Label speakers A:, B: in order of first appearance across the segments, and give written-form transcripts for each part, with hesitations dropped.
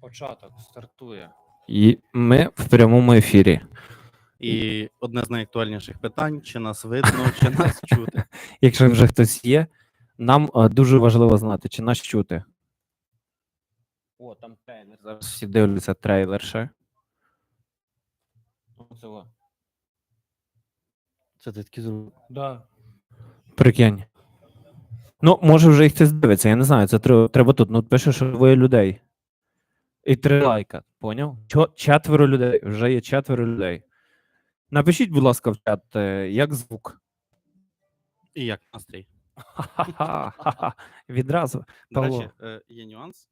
A: Початок стартує. І ми в прямому ефірі.
B: І одне з найактуальніших питань: чи нас видно, чи нас чути.
A: Якщо вже хтось є, нам дуже важливо знати, чи нас чути. О, там трейлер. Зараз всі дивляться трейлер ще.
B: Це ти такі зробив?
A: Да. Прикинь. Ну, може вже їх хтось дивиться, я не знаю, це треба тут. Ну, пише, що двоє людей. І 3 лайка, поняв? 4 людей, вже є 4 людей. Напишіть, будь ласка, в чат, як звук.
B: І як настрій.
A: Ха-ха-ха. Відразу.
B: До
A: Павло.
B: речі, є нюанс.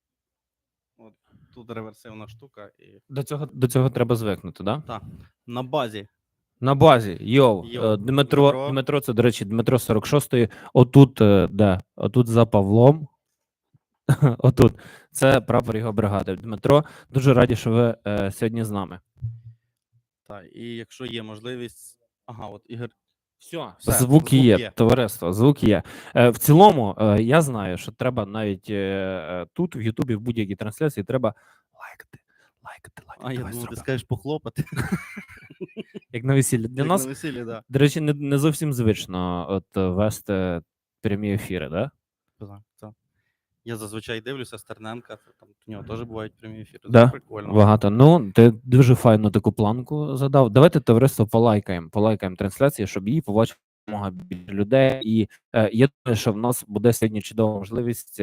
B: От тут реверсивна штука. І...
A: До цього треба звикнути, так? Да?
B: Так, на базі.
A: На базі. Дмитро, це, до речі, Дмитро 46-ї. Отут, де? Отут за Павлом. Отут. Це прапор його бригади. Дмитро, дуже раді, що ви сьогодні з нами.
B: Так, і якщо є можливість... Ага, от Ігор...
A: Все, звук є, товариство, звук є. В цілому, я знаю, що треба навіть тут, в Ютубі, в будь-якій трансляції, треба лайкати.
B: А я думаю, ти скажеш похлопати.
A: Як на весіллі. Для нас,
B: на весіллі, да.
A: до речі, не зовсім звично от вести прямі ефіри, так?
B: Так. Я зазвичай дивлюся Стерненка, там у нього теж бувають прямі ефіри.
A: Да?
B: Це прикольно.
A: Багато. Ну, ти дуже файну таку планку задав. Давайте, товариство, полайкаємо трансляцію, щоб її побачило много більше людей. І я думаю, що в нас буде сьогодні чудова можливість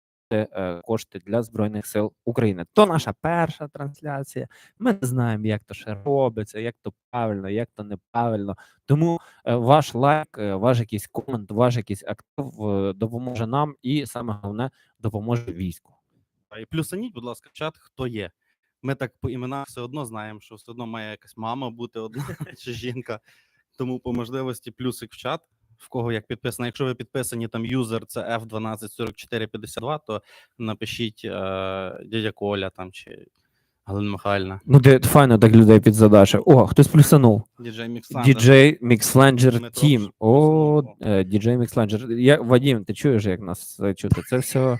A: кошти для Збройних сил України. То наша перша трансляція. Ми не знаємо, як то ще робиться, як то правильно, як то неправильно. Тому ваш лайк, ваш якийсь комент, ваш якийсь актив допоможе нам і, саме головне, допоможе війську.
B: І плюсаніть, будь ласка, в чат, хто є. Ми так по іменах все одно знаємо, що все одно має якась мама бути одна чи жінка. Тому по можливості плюсик в чат, в кого як підписано. Якщо ви підписані, там юзер це F124452, то напишіть дядя Коля там чи Галина Михайлівна.
A: Ну, ти файно так людей підзадаше. О, хтось плюсанув. DJ Mixlanger Team. О, DJ Mixlanger. Вадим, ти чуєш, як нас чути? Це все...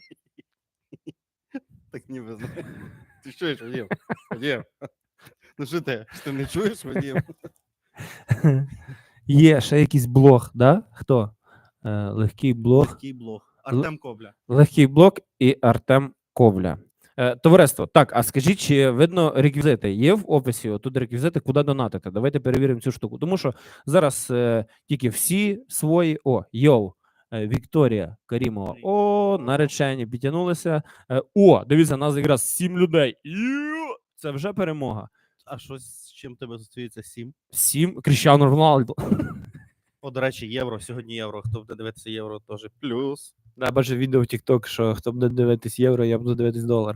B: Так ніби знаю. Ти чуєш, Вадим? Вадим. Ну що ти не чуєш, Вадим?
A: Є ще якийсь блог, да? Хто? Легкий блог.
B: Артем Ковля.
A: Легкий блог і Артем Ковля. Товариство, так, а скажіть, чи видно реквізити? Є в описі тут реквізити, куди донатити? Давайте перевіримо цю штуку. Тому що зараз тільки всі свої... Вікторія Карімова. Наречені підтягнулися. Дивіться, нас якраз 7 людей. Це вже перемога.
B: А що з чим тебе зустріється 7?
A: 7? Кріштіану Роналду.
B: До речі, євро. Сьогодні євро. Хто буде дивитися євро, теж плюс.
A: Да, бачу відео в TikTok, що хто буде дивитись євро, я буду дивитись долар.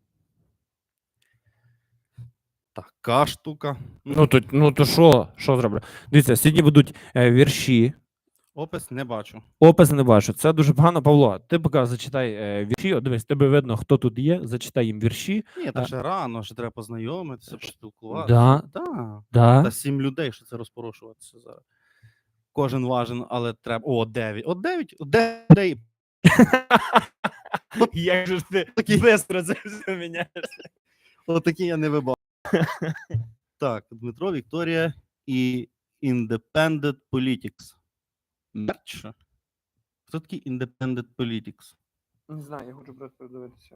B: Така штука.
A: Ну то що зроблю? Дивіться, сьогодні будуть вірші.
B: Опис не бачу.
A: Опис не бачу. Це дуже погано. Павло, ти поки зачитай вірші. О, дивись, тебе видно, хто тут є. Зачитай їм вірші.
B: Ні, та ще рано, ще треба познайомитися, поспілкуватися.
A: Да.
B: Та 7 людей, що це розпорошуватися зараз. Кожен важен, але треба... 9. 9 людей.
A: Як же ж ти бистро це все міняєш?
B: Отакі я не вибав. Так, Дмитро, Вікторія і Independent Politics. Мерч? Хто такий Independent Politics?
A: Не знаю, я хочу просто подивитися.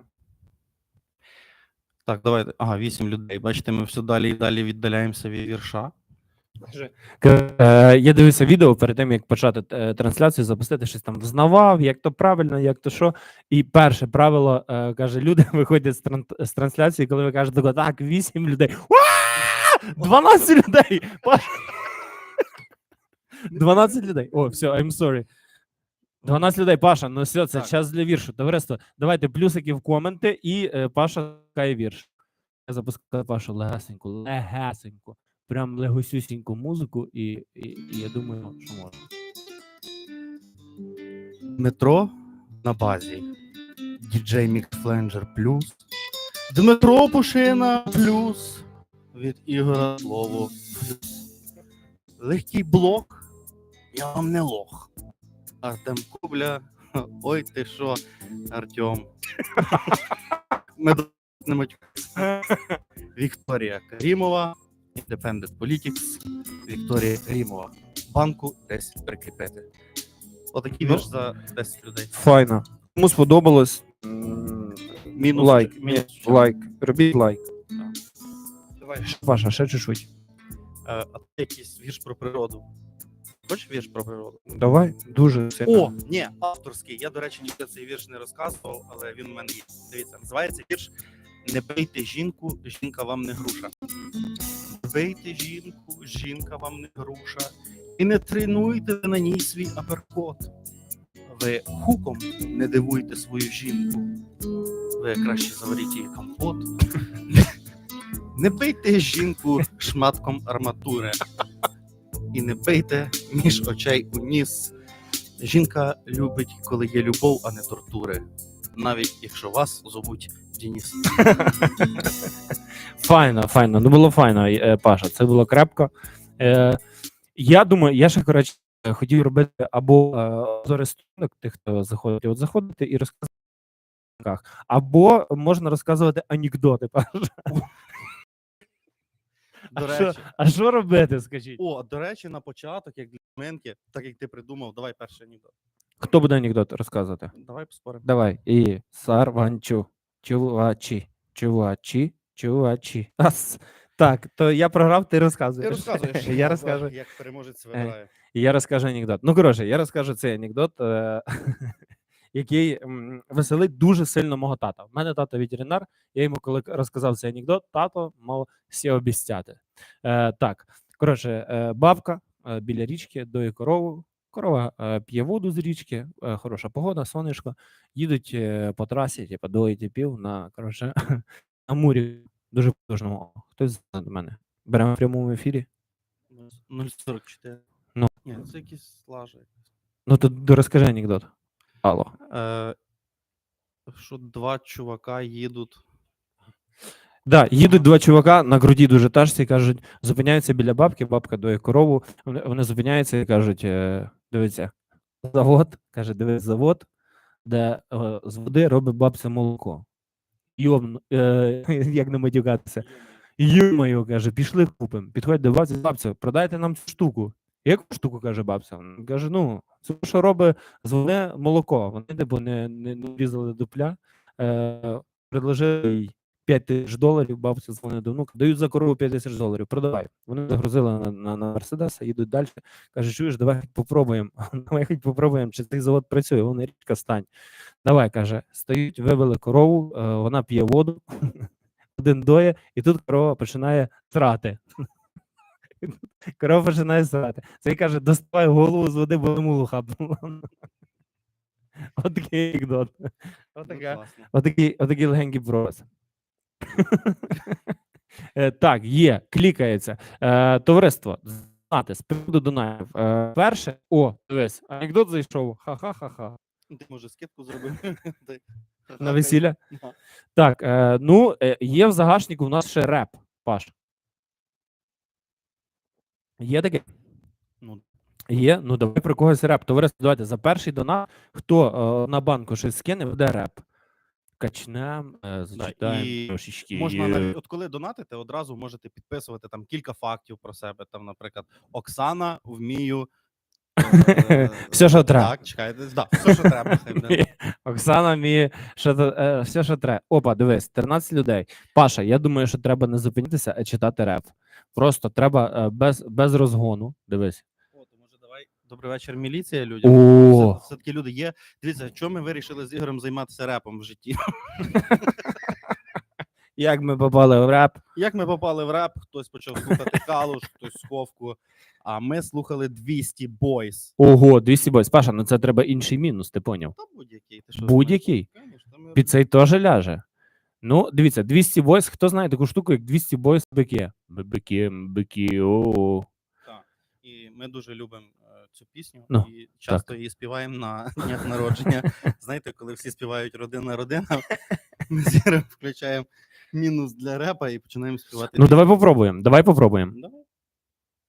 B: Так, давайте. 8 людей. Бачите, ми все далі і далі віддаляємося від вірша.
A: Я дивився відео перед тим, як почати трансляцію, запустити щось там взнавав, як то правильно, як то що. І перше правило, каже, люди виходять з трансляції, коли ви кажете, так, 8 людей. 12 людей! 12 людей. О, все, I'm sorry. 12 людей, Паша, ну все, це час для віршу. Товариство, давайте плюсики в коменти, і Паша шукає вірш. Я запускаю Пашу легесеньку. Прям легосюсіньку музику, і я думаю, що можна.
B: Дмитро на базі. DJ Mixlanger плюс. Дмитро Пушина плюс. Від Ігора слово плюс. Легкий блок. Я вам не лох. Артем Ковля Ой, ти що, Артем. Ми не матюкаємося. Вікторія Карімова, Independent Politics, Вікторія Карімова. Банку десь прикріпити. Отакий
A: Ну,
B: вірш за 10 людей.
A: Файно. Кому сподобалось,
B: Мінус.
A: лайк.
B: Мінус.
A: Лайк. Робіть лайк.
B: Давай.
A: Паша, ще чуть-чуть.
B: А ти якийсь вірш про природу. Хочеш вірш про природу?
A: Давай, дуже сильно.
B: О, ні, авторський. Я, до речі, ніхто цей вірш не розказував, але він у мене є. Дивіться, називається вірш «Не бийте жінку, жінка вам не груша». Не бийте жінку, жінка вам не груша. І не тренуйте на ній свій аперкот. Ви хуком не дивуйте свою жінку. Ви краще заваріть їй компот. Не бийте жінку шматком арматури. І не бийте між очей у ніс. Жінка любить, коли є любов, а не тортури. Навіть якщо вас зовуть Дініс.
A: Файно, файно. Ну було файно, Паша. Це було крепко. Я думаю, я ще, коротше, хотів робити або зорисунок тих, хто заходить, от заходити і розказувати, або можна розказувати анекдоти, Паша.
B: До речі,
A: А що робити, скажіть?
B: до речі, на початок, як для Менки, так як ти придумав, давай перший анекдот.
A: Хто буде анекдот розказувати?
B: Давай поспоримо.
A: Давай. І сарванчу, чувачі. Так, то я програв, ти розказуєш.
B: Ти розказуєш.
A: Я розкажу.
B: Як переможець вибирає.
A: І я розкажу анекдот. Ну, коротше, я розкажу цей анекдот, який веселить дуже сильно мого тата. У мене тато ветеринар, я йому коли розказав цей анекдот, тато мав все обіцяти. Так, коротше, бабка біля річки доїть корову, корова п'є воду з річки, хороша погода, сонечко, їдуть по трасі, типу, доїть пів на, коротше, на мурі, дуже потужному. Хтось до мене. Беремо в прямому ефірі.
B: 0,44.
A: Ну.
B: Ні, це якісь лажи.
A: Ну, то розкажи анекдот. Алло.
B: Що два чувака їдуть.
A: Да, їдуть два чувака на груді дуже тажці, кажуть, зупиняються біля бабки, бабка доє корову, вони зупиняються і кажуть, дивіться, завод, каже, дивись, завод, де з води робить бабця молоко. Як не матюкатися. Йо-моє, каже, пішли купимо. Підходять до бабці, бабця, продайте нам цю штуку. Яку штуку, каже бабця? Каже, ну, це що робить з води молоко. Вони типу не різали дупля, предложили їй $5,000, бабця дзвонить до внука, дають за корову $5,000, продавай. Вони загрузили на Мерседеса, їдуть далі, каже, чуєш, давай хоч попробуємо, чи цей завод працює, вона річка стань. Давай, каже, стають, вивели корову, вона п'є воду, один доє, і тут корова починає срати. Корова починає срати. Цей каже, доставай голову з води, бо йому хапнуло. Отакий анекдот. Отакий легенький прос. Так, є, клікається. Товариство, знати, з приводу донатів. Перше, дивись, анекдот зайшов, ха-ха-ха-ха.
B: Ти, може, скидку зробив?
A: На весілля?
B: Да.
A: Так, є в загашнику у нас ще реп, Паш. Є таке?
B: Ну,
A: Є? Ну, давай про когось реп. Товариство, давайте, за перший донат, хто на банку щось скине, буде реп. Качнем, зачитаємо
B: і
A: трошечки.
B: можна навіть, от коли донатите, одразу можете підписувати там кілька фактів про себе. Там, наприклад, Оксана, вмію.
A: Все, що треба.
B: Так, чекайте, все, що треба.
A: Оксана вміє, все, що треба. Опа, дивись, 13 людей. Паша, я думаю, що треба не зупинитися, а читати реп. Просто треба без розгону. Дивись.
B: О, то може давай добрий вечір, міліція людям.
A: О,
B: Все-таки люди є. Дивіться, чому ми вирішили з Ігорем займатися репом в житті?
A: як ми попали в реп?
B: Як ми попали в реп, хтось почав слухати Калуш, хтось Сховку, а ми слухали 200 Boys.
A: Ого, 200 бойс. Паша, ну це треба інший мінус, ти поняв?
B: Та будь-який. Ти що,
A: Будь-який.
B: Конечно, ми-
A: Під цей теж ляже. Ну, дивіться, 200 бойс, хто знає таку штуку, як 200 бойс бики? Бики, о.
B: Так. І ми дуже любимо цю пісню
A: Ну,
B: і часто її співаємо на днях народження. Знаєте, коли всі співають родина, ми з Ігорем включаємо мінус для репа і починаємо співати.
A: Ну, давай попробуємо.
B: Давай.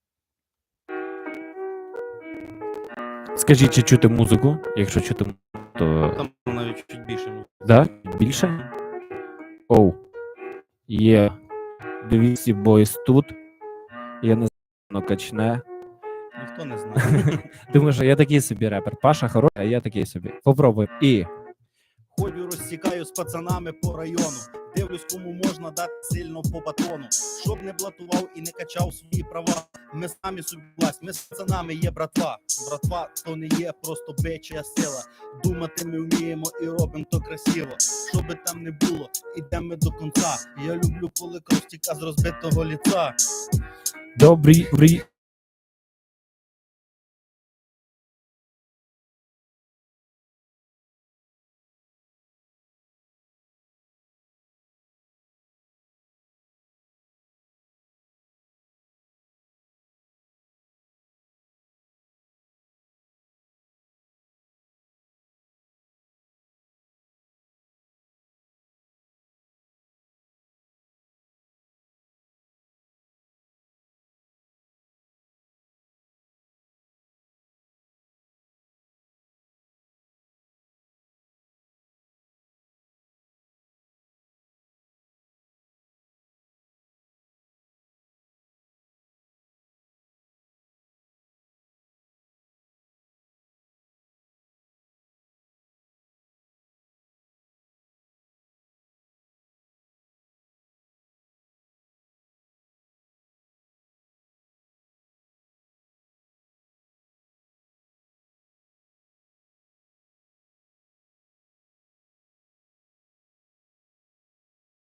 A: Скажіть, чи чути музику? Якщо чути то
B: Там навіть чуть більше.
A: да? Більше? Оу. Є 200 бойс тут. Я не знаю, воно качне.
B: Ніхто не знає.
A: Думаю, що я такий собі репер. Паша хороший, а я такий собі. Попробуй. І.
B: Ходю, розсікаю з пацанами по району. Дивлюсь, кому можна дати сильно по батону. Щоб не блатував і не качав свої права. Ми самі собі власть, ми з пацанами є братва. Братва то не є просто бича сила. Думати ми вміємо і робимо то красиво. Що би там не було, ідемо ми до кінця. Я люблю, коли кров стіка з розбитого ліца.
A: Добрий